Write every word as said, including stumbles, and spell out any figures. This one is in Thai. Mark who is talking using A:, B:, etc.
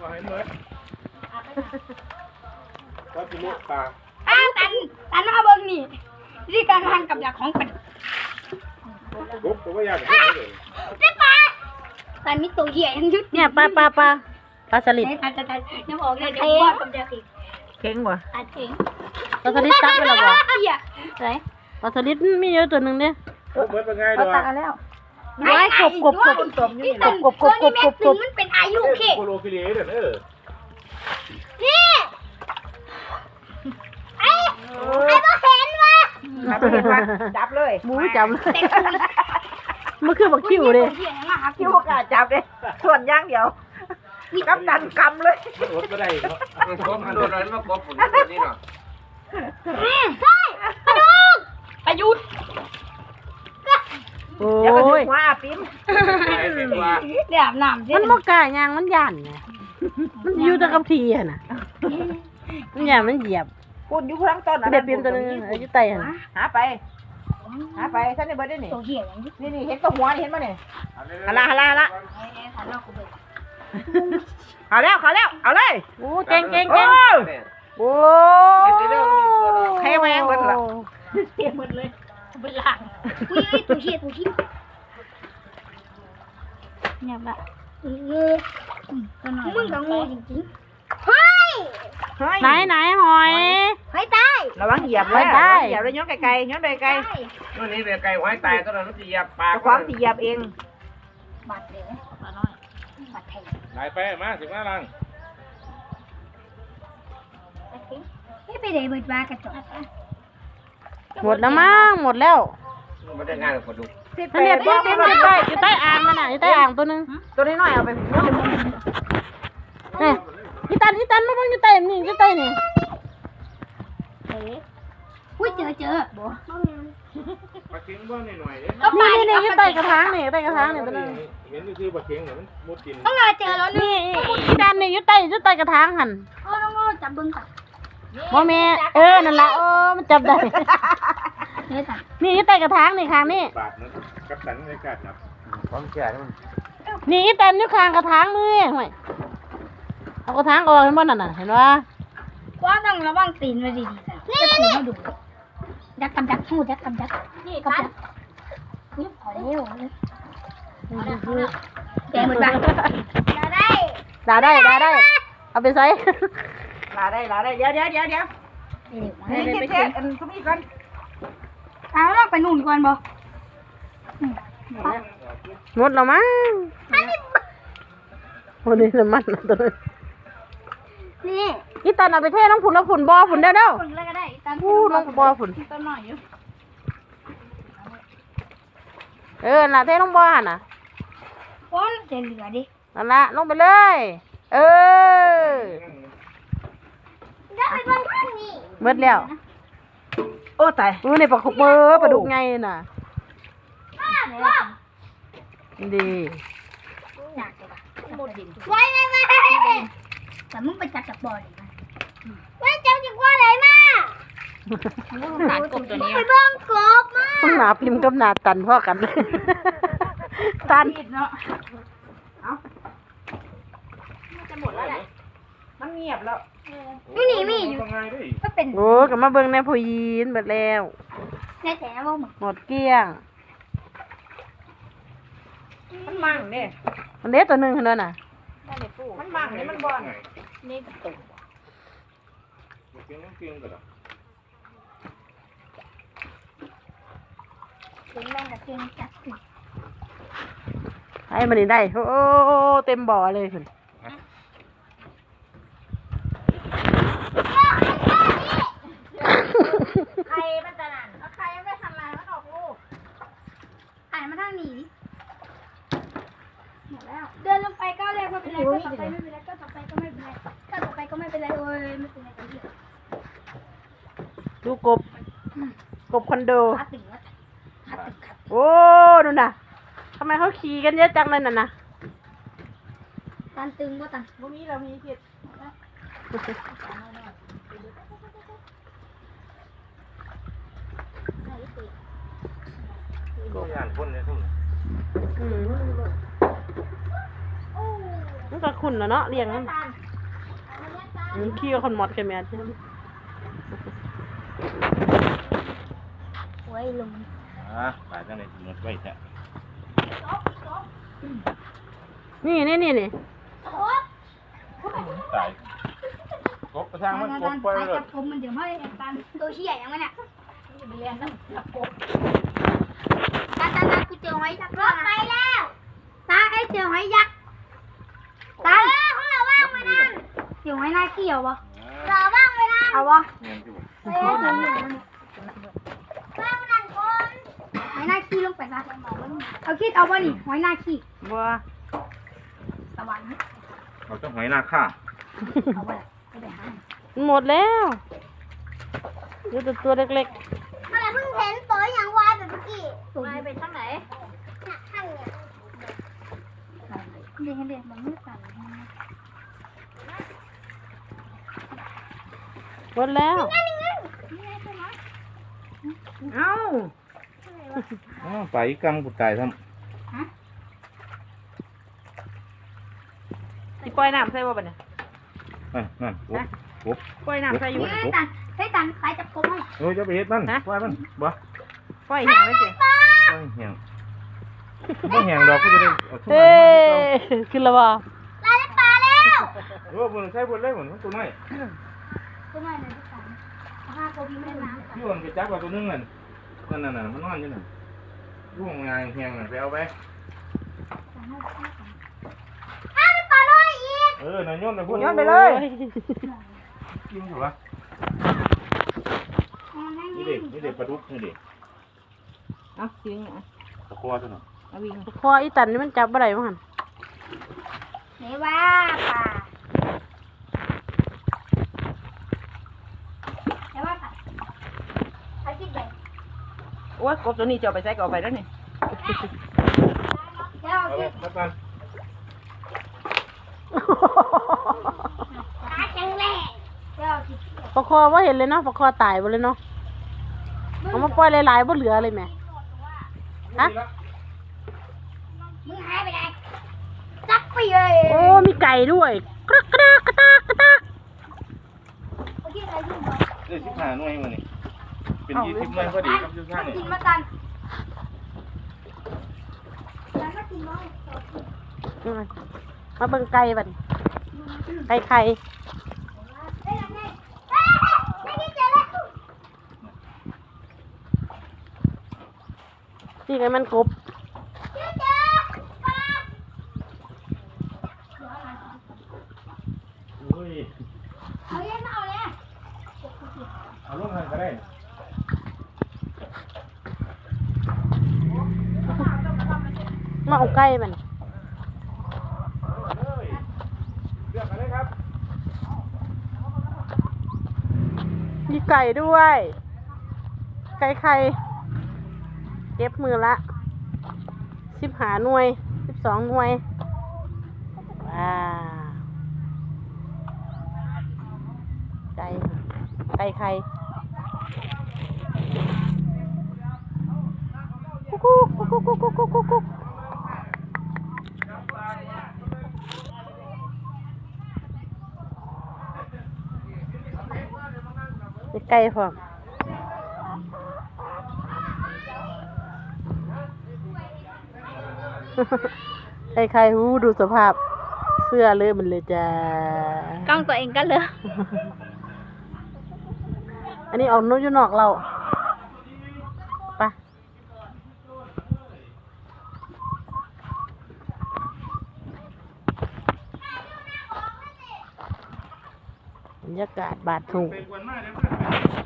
A: เอาให้เมื่อก็จะลุกปลา
B: อ้าตันตันเอาเบิ้งนี่ที่การทำกับดักของปัด
A: ลุกตัวว่าอยากเลย
B: ได้ปลาตันมีตัวใหญ่ยังยุด
C: เนี่ยปลาปลาปลาปลาสลิด
B: ตันตันตันน้ำออกเลยเดี๋ยวว่ากับดักอีก
C: เข่งบ่
B: ตันเข่ง
C: ปลาสลิดตักไปแล้วบ่
B: ไหน
C: ปลาสลิดมีเยอะตัวหนึ่งเนี่ย
A: เมื่อเป็นไงด้วย
C: ตักแล้วไว้กบกบกบกบนี่กบกบกบกบกบกบ
B: มันเป็นอายุเข่
A: โคโลคิเลเด้อเออ
B: นี่ไอ้ไอ้บ่เห็นวะ
D: จับเลย
C: หมูจับเลยมันคือบักคิวเลย
D: คิวกะจับเลยส่วนย่างเดียวกำดันกำเลย
A: มันอดไม่ได้เนาะมันกบมันโดนอะไรมากบผมนี่เนาะ
B: ใช่ประยุทธ์ประยุทธ์
C: โอ้ย
D: ว่าปิ้ม
B: เดี๋ยวน้ำ
C: มันมกกายางมันยันไงมันอยู่ตะกับทีอ่ะนะมันยันมันเหยียบ
D: พูดอยู่ข้างต้น
C: เด็ดเปียมตัวนึงอยู่ใต้อ่ะ
D: หาไปหาไปท่านในเบิร์ดนี่
B: ตัวเหี้ย
D: นี่นี่เห็นตัวหัวเห็นมั้ยเนี่ยฮาลาฮาลาละเอาแล้วเอาแล้วเอาเลย
C: โอ้เก่งเก่งเก่งโอ้
D: ใครมาหมดละ
B: เต็มหมดเลยเป็นหลังอุ้ยตัวเหี้ยตัวเหี้ยเนี่ยแบบงูมึงกับงูจริงๆเฮ้ย
C: ไหนไหนหอย
B: หอยตาย
D: ระวังเหยียบเลยเหยียบเลยย้อนไกลๆย้อนไกล
A: ๆนู่นนี่เป็นไก่หอยตายตอนนั้นมันเหยียบปลา
D: ความเหยียบเอง
B: บาดเลยปลาน้อยบาดแทง
A: ไหนไปมาสิบห้าลัง
B: ไม่ไปไหนเบิดปลากระจก
C: หมดแล้วมั้งหมดแล้ว
A: ไม่ได้งานกับคนดู
C: ท่านเนี่ยเต็มเต็มอยู่ใต้อยู่ใต้อ่างมันน่ะอยู่ใต้อ่างตัวนึง
D: ตัวน้อยๆเอาไป
C: นี่ยี่ตันยี่ตันมาบ้างอยู่ใต้นี่อยู่ใต้นี่
B: อุ้ยเจอเจอบ่
A: ปลาเค็งบ้างหน่อยๆ
C: นี่นี่นี่อยู่ใต้กระถางนี่ใต้กระถางนี่ตัวนึง
A: เห็นคือปลาเค็งเหมือนมุดกิน
B: ต้องมาเจอแล้ว
C: นี่ยี่ตันนี่อยู่ใต้อยู่ใต้กระถางหัน
B: โอ้น้องจับบึ้งก่อน
C: โมเมเออนั่นละโอ้มันจับได้นี่อยู่ใต้กระถางนี่ข้างนี่
A: บาดนะกับสันในกาดจับความแก่มัน
C: นี่ยี่ตันอยู่ข้างกระถางมือห่วยเอากระถางออกเห็นบ่นั่นน่ะเห็นว่า
B: ว่าต้องระวังตีนไว้ดีๆนี่นี่ดูดักกำดักหูดักกำดักนี่กำดักนี่พอแล้วแกเหมือนบ้านได้
C: ด่าได้ด่าได้เอาไปใส่
D: ลาได้ลาได้เดี๋ยวเดี๋ยวเดี๋ยวเดี๋ยวเฮ้ยเช็ดอันทุกนี้ก่อน
B: เอาเราไปนู่นก่อนบ่
C: หมดแล้วมั้งโอ้นี่น้ำมันตัวนี้
B: นี่
C: นี่ตันเอาไปเทน้องผุนแล้วผุนบ่อผุนเด้อเด้อ
B: ผุนอะไรก็ได้ตัน
C: พูน้องบ่อผุน
B: ต้นหน่อยอยู่
C: เออน่ะเทน้องบ่อหั่นน่ะ
B: ป้อนจะเหลือดิ
C: นั่นละลงไปเลยเออ
B: ได้ไปบ้างนี่
C: เบิดแล้ว
D: โอ้ตาย
C: อู้นี่ปลาขบเบอร์ปลาดุกไงน่ะดี
B: อยากเลยป่ะไว้ไว้ไว้แต่มึงไปจับจับบ่อเลยนะไว้จับจับบ่อเลยมาตัดกบตัวนี้ไปเบิ้งกบมา
C: ต้องหนาพิมพ์กับหนาตันพ่อกันตัน
D: เนาะเอาจะหมดแล้วแหละมันเงียบแล้ว
B: นี่นี่มีอยู่ก็เป็น
C: โอ้กับมาเบิ้งในผู้ยีนหมดแล้ว
B: ในแต่ว่า
C: หมดเกลี้ยง
D: มันมั่งเนี่ย
C: มันเล็กตัวหนึ่งเท่านั้นน่ะ
D: มันมั่งเนี่ยมันบ่อน
B: นี่ตุ่ม
A: เก่งเก่งกันหรอ
B: เก่งแม่กับเก่งจัด
C: ไอ้มันนี่ได้โอ้เต็มบ่อเลยคุณ
B: ใครมันจะนั่นแล้วใครไม่ทำอะไรมันออกลูกไอ้มาทางนี้หมดแล้วเดินลงไปก็เรียกว่าเป็นไรก็ต่อไปไม่เป็นไรก็ต่อไปก็ไม่เป็นไรก็ต่อไปก็ไม่เป็นไรโอ้ยไม่เป็นไรก็เยอะ
C: ดูกบกบคอนโด
B: ขาตึงแล้วขาตึงขา
C: โอ้ดูน่ะทำไมเขาขี่กันเยอะจังเลยน่ะนะ
B: ตันตึงว่าตัน
D: พวกนี้เรามีเพียร
A: ก็งานคนเนี่ยทุก
C: มันก็ขุ่นแล้วเนาะเลี้ยงมันขี้กับคนหมดกันแม่ใช่ไหม
B: ไว้ลง
E: อ่าตายจังเลยหมดไว้แท้
C: นี่นี่นี่นี่
E: ตายกบกระทั่งมันกบไปเลย
B: จับผมมันเดี๋ยวไม่ได้ตันตัวเชี่ยยังไงเนี่ยจะไปเรียนต้องจับผมตาตาตากูเจอหอยยักษ์รอดไปแล้วตาไอ้เจอหอยยักษ์ตาของเราว่างไปนั่นเจอหอยหน้าเกี่ยวปะเราว่างไปนั่นเอาปะ
E: เงี้ยที่บอก
B: เอ้ยเดี๋ยวเดี๋ยวว่างไปนั่นคนหอยหน้าขี้ลงไปซะเอาคิดเอาปะนี่หอยหน้าขี้
C: บัว
B: สวรรค์
E: เราต้องหอยหน้าข้า
B: เอาไปไปไปหา
C: มันหมดแล้วดูแต่ตัวเล็ก
B: อะไรเพิ่งเห็นตัวอย่างวายแบบเมื่อกี้วายไปทางไหนน่ะข้างเนี่ยเด็กเด็กมันไม่สั่น
C: ๆหมดแล้ว
D: เอ้า
E: อ๋อไปกำกูตายท
D: สิปล่อยน้ำใส่บ่บัดเนี่ย
E: ำนั่นนั่นกบกบ
D: ปล่อยน้ำใส่อยู่
B: นี่
D: บ่
B: ให้ตันให้ตันใครจับกบให้
E: เอ้ยจะไปเฮ็ดมันปล่อยมันบ่
D: ปล่อยแห้งไว้สิ
E: ปล่อยแห้งบ่แห้งดอกก็จะได้เอาทุ่ม
C: เอ้
E: มัน
C: ขึ้นแล้วบ่
B: ลายได้ปลาแล้ว
E: เออบ่ใช้บ่เลยบ่มันตัวน้อย
B: ตัวใหม่เลยที่สามห้ากบยังไม่ได้น้ำ
E: พี่อ้วนไปจับเอาตัวนึงนั่นนั่นน่ะมันนอนอยู่นั่นร่วงงานแห้งน่ะไปเอาไป
B: อ้าวได้ปลาน้อยอีก
E: เออน่ะโยนไปพุ่น
D: โยนไปเลย
E: กินถูกป่ะนี่เด็กนี่เด็กปลาดุกนี่เด็ก
D: เอาสิงอ่ะ
E: ตะกัวตัวน่ะ
D: เอาวิ่ง
C: คออีตันนี่มันจับอะไรบ้างหัน
B: ไหนว่าปลาไหนว่าปลาใครคิดใหญ่
D: โอ้ยกบตัวนี้จะเอาไปใส่ก็เอาไปแล้วนี่
B: เดี๋ยว
E: เอาไปมากัน
B: ขาแข็งแรงเดี๋ยวสิ
C: ปลาคอว่าเห็นเลยเนาะปลาคอตายหมดเลยเนาะเอามาปล่อยหลายๆบ่เหลือเลยแม่ฮะ
B: มึงหายไปไหนจับไปเลย
C: โอ้มีไก่ด้วยกระกระกระตากกระตาก
B: เมื่อกี้อะไรยุ่งเหรอ
E: เอ้ยสิบห้าหน่วยมื้อนี้เป็นยี่สิบหน่วยพอดีครับทุกท่าน
B: มา
E: นี่
B: กินมากันแล้วมากินมั้ง
C: อืมมาเบิ่งไก่บัดไก่ไข่
B: เฮ้ยเฮ้ยเฮ้ยไม่กินเจอแล้ว
C: นี่ไงมันกบ
B: เจอเจอปลา
E: โอ้ย
B: เอาเล่นมาเอาเลย
E: เอาลงให้ก็ได้
C: มาเอาไก่มัน
E: เอ้ยเลือกมาเลยครับ
C: มีไก่ด้วย ไก่ไข่เก็บมือละสิบหาหน่วยสิบสองหน่วยว้าวไก่ไก่ไข่กุ๊กกุ๊กกุ๊กกุ๊กกุ๊กกุ๊กกุ๊กกุ๊กมีไก่พร้อม ใครใครหูดูสภาพ เสื้อเลยมันเลยจ้าก
B: ล้องตัวเองก็เลย
C: อันนี้ออกนู้นอยู่นอกเราไปบรรยากาศบาดถูก
E: เป็นวันมาเดี๋ยวมา